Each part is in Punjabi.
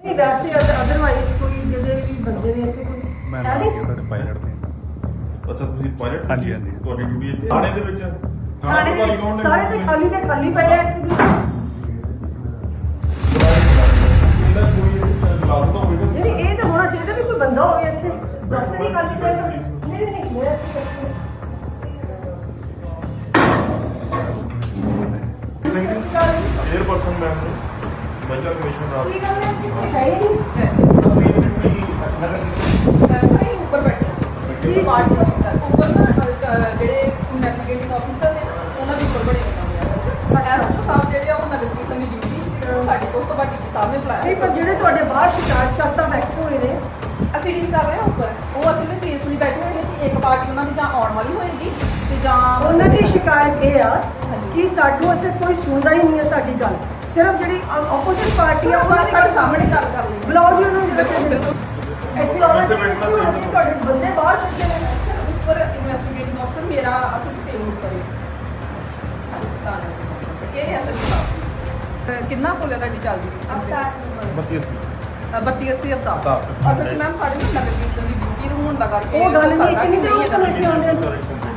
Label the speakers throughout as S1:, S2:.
S1: वैसे अदरवाइज कोई ਜਿਹਦੇ ਵੀ ਬੰਦੇ ਨੇ ਇੱਥੇ ਕੋਈ
S2: ਮੈਂ
S1: ਹੈ
S2: ਨਾਲ
S1: ਨਹੀਂ?
S2: ਗਿਆ ਤੁਹਾਡੇ ਪਾਇਲਟ ਤੇ
S3: ਅੱਛਾ ਤੁਸੀਂ ਪਾਇਲਟ
S2: ਹਾਂਜੀ, ਹਾਂਜੀ।
S3: ਤੁਹਾਡੀ ਡਿਊਟੀ ਇੱਥੇ ਥਾਣੇ ਦੇ ਵਿੱਚ
S1: ਥਾਣੇ ਦੇ ਵਿੱਚ ਸਾਰੇ ਤੇ ਖਾਲੀ ਪਏ ਆ ਇੱਥੇ ਵੀ।
S3: ਇਹਦਾ ਕੋਈ ਲਾਗੂ ਤਾਂ ਹੋਵੇਗਾ
S1: ਨਹੀਂ ਇਹ ਤਾਂ ਹੋਣਾ ਚਾਹੀਦਾ ਵੀ ਕੋਈ ਬੰਦਾ ਹੋਵੇ ਇੱਥੇ ਦਫ਼ਤਰ ਹੀ ਖਾਲੀ ਪਏਗਾ। ਨਹੀਂ ਮੇਰਾ
S3: ਚੇਅਰਪਰਸਨ ਮੈਮ ਨੇ ਮਹਿਲਾ ਕਮਿਸ਼ਨ ਦਾ
S1: ਕੀ ਗੱਲ ਹੈ ਹੀ ਨਹੀਂ
S4: ਉੱਪਰ ਬੈਠੇ ਕੀ ਪਾਰਟੀ ਉੱਪਰ ਨਾ ਜਿਹੜੇ ਇਨਵੈਸਟੀਗੇਟਿੰਗ ਆਫੀਸਰ ਨੇ ਉਹਨਾਂ ਦੇ ਉੱਪਰ ਬੜੇ ਐਸਪੀ ਸਾਹਿਬ ਜਿਹੜੇ ਆ ਉਹ ਨਗਰ ਕੀਰਤਨ ਦੀ ਡਿਊਟੀ ਸਾਡੇ ਕੋਲ ਸਭਾ ਡੀਸੀ ਸਾਹਿਬ ਨੇ ਬੁਲਾਇਆ
S1: ਨਹੀਂ ਪਰ ਜਿਹੜੇ ਤੁਹਾਡੇ ਬਾਹਰ ਸ਼ਿਕਾਇਤ ਕਰਤਾ ਬੈਠੇ ਹੋਏ ਨੇ
S4: ਅਸੀਂ ਡੀਲ ਕਰ ਰਹੇ ਹਾਂ ਉੱਪਰ ਉਹ ਅਸੀਂ ਵੀ ਕੇਸ ਲਈ ਬੈਠੇ ਹੋਏ ਨੇ ਕਿ ਇੱਕ ਪਾਰਟੀ ਉਹਨਾਂ ਦੀ ਜਾਂ ਆਉਣ ਵਾਲੀ ਹੋਏਗੀ ਤੇ ਜਾਂ
S1: ਉਹਨਾਂ ਦੀ ਸ਼ਿਕਾਇਤ ਇਹ ਆ ਕਿ ਸਾਡੂ ਇੱਥੇ ਕੋਈ ਸੁਣਦਾ ਹੀ ਨਹੀਂ ਹੈ ਸਾਡੀ ਗੱਲ ਸਿਰਫ ਜਿਹੜੀ ਆਪੋਜ਼ਿਟ ਪਾਰਟੀ ਆ ਉਹਨਾਂ ਦੀ
S4: ਸਾਡੇ ਸਾਹਮਣੇ ਗੱਲ ਕਰ ਲਈ
S1: ਬੁਲਾਓ ਜੀ ਉਹਨਾਂ ਨੂੰ
S4: ਬਿਲਕੁਲ
S1: ਇੱਥੇ ਆਉਣਾ ਚਾਹੀਦਾ ਤੁਹਾਡੇ ਬੰਦੇ ਬਾਹਰ ਬੈਠੇ ਨੇ
S4: ਉੱਪਰ ਇਨਵੈਸਟੀਗੇਟਿੰਗ ਆਫੀਸਰ ਮੇਰਾ ਅਸੀਂ ਸੇਮ ਉੱਪਰ ਇਹ ਹੈ ਸਰ ਕਿੰਨਾ ਕੋਲ ਤੁਹਾਡੀ ਚੱਲਦੀ 3280 ਅਵਤਾਰ ਅਸਲ ਵਿੱਚ ਮੈਮ ਸਾਡੇ ਨਾਲ ਨਗਰ ਕੀਰਤਨ ਦੀ ਡਿਊਟੀ ਨੂੰ ਹੋਣ ਦਾ ਕਰਕੇ
S1: ਉਹ ਗੱਲ ਨਹੀਂ ਕਿੰਨੀ ਦੇਰ ਹੋ ਗਈ ਆਉਂਦੇ ਨੇ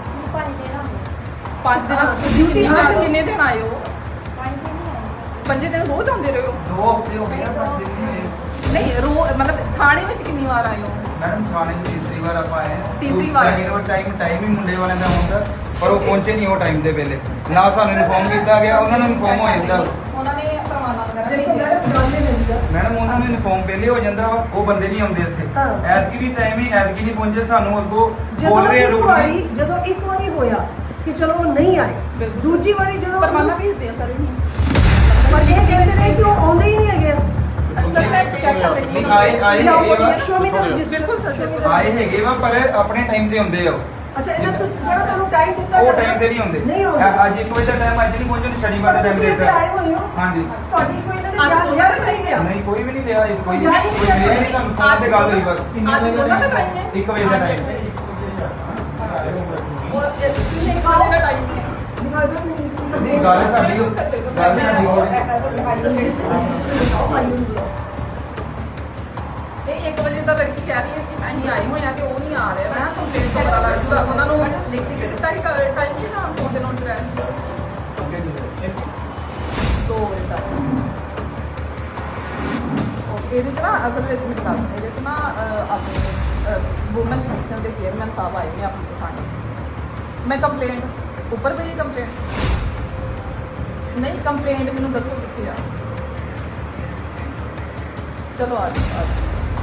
S4: 5 ਦਿਨ
S1: ਡਿਊਟੀ
S4: ਅੱਜ ਕਿੰਨੇ ਦਿਨ ਆਏ ਹੋ 5 ਦਿਨ ਰੋਜ਼ ਆਉਂਦੇ ਰਹੇ ਹੋ
S5: 2 ਹਫ਼ਤੇ ਹੋ ਗਏ ਆ ਪਰ ਦਿਨ ਨਹੀਂ ਹੋਏ।
S4: ਨਹੀਂ ਥਾਣੇ ਵਿੱਚ ਕਿੰਨੀ ਵਾਰ ਆਏ ਹੋ
S5: ਮੈਡਮ ਥਾਣੇ ਦੀ ਤੀਸਰੀ ਵਾਰ ਆਪਾਂ ਆਏ ਹਾਂ।
S4: ਤੀਸਰੀ ਵਾਰ ਆਏ।
S5: ਟਾਈਮ ਹੀ ਮੁੰਡੇ ਵਾਲਿਆਂ ਦਾ ਹੁੰਦਾ ਪਰ ਉਹ ਪਹੁੰਚੇ ਨਹੀਂ ਉਹ ਟਾਈਮ ਦੇ ਵੇਲੇ ਨਾ ਸਾਨੂੰ ਇਨਫੋਰਮ ਕੀਤਾ ਗਿਆ ਉਹਨਾਂ ਨੂੰ ਇਨਫੋਰਮ ਹੋ ਜਾਂਦਾ
S4: ਉਹਨਾਂ ਨੇ ਪ੍ਰਮਾਣਾ ਵਗੈਰਾ
S1: ਦੇਖੋ
S4: ਭੇਜਿਆ
S1: ਮੈਡਮ ਗੱਲ ਇਹ ਨਹੀਂ ਹੈ
S5: ਮੈਡਮ ਉਹਨਾਂ ਨੂੰ ਇਨਫੋਰਮ ਪਹਿਲੇ ਹੋ ਜਾਂਦਾ ਵਾ ਉਹ ਬੰਦੇ ਨਹੀਂ ਆਉਂਦੇ ਇੱਥੇ
S1: ਹਾਂ।
S5: ਐਤਕੀ ਵੀ ਟਾਈਮ ਹੀ ਐਤਕੀ ਨਹੀਂ ਪਹੁੰਚੇ ਸਾਨੂੰ ਅੱਗੋਂ
S1: ਜਦੋਂ
S5: ਬੋਲ ਰਹੇ
S1: ਇੱਕ
S5: ਲੋਕ
S1: ਵਾਰੀ ਜਦੋਂ ਇੱਕ ਵਾਰੀ ਹੋਇਆ ਕਿ ਚਲੋ ਉਹ ਨਹੀਂ ਆਏ
S4: ਬਿਲਕੁਲ।
S1: ਦੂਜੀ ਵਾਰੀ ਜਦੋਂ
S4: ਪ੍ਰਮਾਣਾ ਭੇਜਦੇ ਆ ਸਾਰੇ
S1: ਪਰ ਇਹ ਕਹਿੰਦੇ ਨੇ ਕਿ ਉਹ ਆਉਂਦੇ ਹੀ ਨਹੀਂ ਹੈਗੇ
S4: ਅਕਸਰ ਮੈਂ ਚੈੱਕ ਕਰ ਲੈਂਦੀ
S5: ਨਹੀਂ, ਆਏ ਹੈਗੇ ਵਾ।
S1: ਸ਼ੋ ਮੀ ਦਾ ਰਜਿਸਟਰ
S4: ਬਿਲਕੁਲ ਸਰ, ਬਿਲਕੁਲ।
S5: ਆਏ ਹੈਗੇ ਵਾ ਪਰ ਆਪਣੇ ਟਾਈਮ ਤੇ ਹੁੰਦੇ ਆ ਉਹ।
S1: ਅੱਛਾ ਇਹਨਾਂ ਤੁਸੀਂ ਜਿਹੜਾ ਤੁਹਾਨੂੰ ਟਾਈਮ ਦਿੱਤਾ
S5: ਉਹ
S1: ਜਾਂਦਾ,
S5: ਟਾਈਮ ਤੇ ਨਹੀਂ ਹੁੰਦੇ
S1: ਨਹੀਂ ਆਉਂਦੇ
S5: ਅੱਜ 1 ਵਜੇ ਦਾ ਟਾਈਮ ਅੱਜ ਨਹੀਂ ਪਹੁੰਚਣ ਸ਼ਨੀਵਾਰ ਦਾ ਟਾਈਮ
S1: ਤੁਸੀਂ ਇੱਥੇ ਆਏ
S5: ਦਿੱਤਾ
S1: ਹੋਏ ਹੋ
S5: ਹਾਂਜੀ
S1: ਤੁਹਾਡੀ ਕੋਈ ਇਹਨਾਂ
S4: ਅੱਜ
S1: ਨੇ
S4: ਉਹਨਾਂ ਦਾ
S1: ਨਹੀਂ
S4: time
S1: ਲਿਆ
S5: ਨਹੀਂ ਕੋਈ ਵੀ ਨਹੀਂ ਲਿਆ ਇਸ ਕੋਈ
S1: ਯਾਰ ਇਹ
S5: ਕੋਈ ਮਿਲਿਆ ਨਹੀਂ ਤੁਹਾਨੂੰ ਫੋਨ ਤੇ ਗੱਲ ਹੋਈ ਬਸ
S4: ਅੱਜ ਉਹਨਾਂ ਦਾ ਟਾਈਮ ਹੈ
S5: 1 ਵਜੇ ਦਾ ਟਾਈਮ
S4: ਉਹ ਇਸ ਲਈ ਖਾਣੇ ਦਾ ਟਾਈਮ ਨਹੀਂ ਹੈ
S5: ਨਹੀਂ ਗੱਲ ਸਾਡੀ ਹੋਰ
S4: ਇਹ 1 ਵਜੇ ਦਾ ਲੜਕੀ ਕਹਿ ਰਹੀ ਹੈ ਕਿ ਅਸੀਂ ਆਏ ਹੋਏ ਆ ਕਿ ਉਹ ਨਹੀਂ ਆ ਰਿਹਾ ਮੈਂ ਕੰਪਲੇਂਟ ਤੋਂ ਪਤਾ ਲੱਗ ਜੂਗਾ ਉਹਨਾਂ ਨੂੰ ਲਿਖ ਕੇ ਦਿੱਤਾ ਹੀ ਟਾਈਮ ਸੀ ਨਾ ਫੋਨ ਦੇ ਨੋਟ ਰਹਿ 2 ਵਜੇ ਤੱਕ ਇਹਦੇ ਚ ਨਾ ਅਸਲ ਵਿੱਚ ਮੈਂ ਦੱਸ ਇਹਦੇ ਚ ਨਾ ਆਪਣੇ ਵੂਮਨ ਕਮਿਸ਼ਨ ਦੇ ਚੇਅਰਮੈਨ ਸਾਹਿਬ ਆਏ ਨੇ ਆਪਣੇ ਥਾਣੇ ਮੈਂ ਕੰਪਲੇਂਟ ਉੱਪਰ ਪਈ ਕੰਪਲੇਂਟ ਨਹੀਂ ਕੰਪਲੇਂਟ ਮੈਨੂੰ ਦੱਸੋ ਕਿੱਥੇ ਆ ਚਲੋ ਆ ਜਾਓ